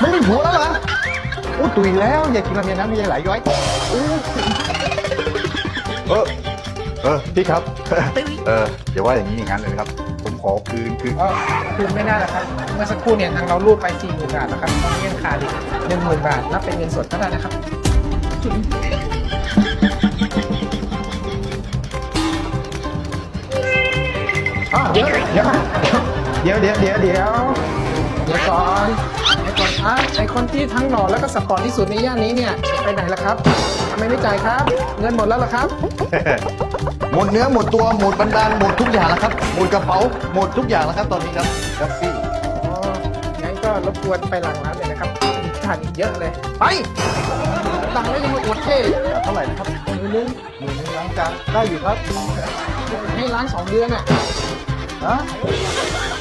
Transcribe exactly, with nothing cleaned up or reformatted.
ไม่มีผัวแล้วเหรอโอ้ตุยแล้วอย่ากินราเมนน้ำมีไหลย้อยโอ้เออเออพี่ครับ เอออย่าว่าอย่างนี้อย่างนั้นเลยนะครับ ผมขอคืนคืนก็คืนไม่ได้หรอกครับเมื่อสักครู่เนี่ยทางเรารูดไปสี่หมื่นบาทนะครับตอนนี้ยังขาดอีกหนึ่งหมื่นบาทนับเป็นเงินสดก็ได้นะครับอ่ะเดี๋ยวเดี๋ยวเดี๋ยวเดี๋ยวเดี๋ยวเดี๋ยวเดี๋ยวก่อนเดี๋ยวก่อนครับไอคนที่ทั้งหล่อแล้วก็สปอร์ตที่สุดในย่านนี้เนี่ยไปไหนล่ะครับทำไมไม่จ่ายครับ เงินหมดแล้วเหรอครับหมดเนื้อหมดตัวหมดบันดาลหมดทุกอย่างแล้วครับหมดกระเป๋าหมดทุกอย่างแล้วครับตอนนี้ครับครับพี่อ๋อ งั้นก็รบกวนไปหลังร้านเลยนะครับมีขาดอีกเยอะเลย ไปหลังแล้วยังมาอวดเท่เท่าไหร่นะครับมือนึงหมื่นหนึงล้างจานได้อยู่ครับให้ล้างสองเดือนอ่ะฮะ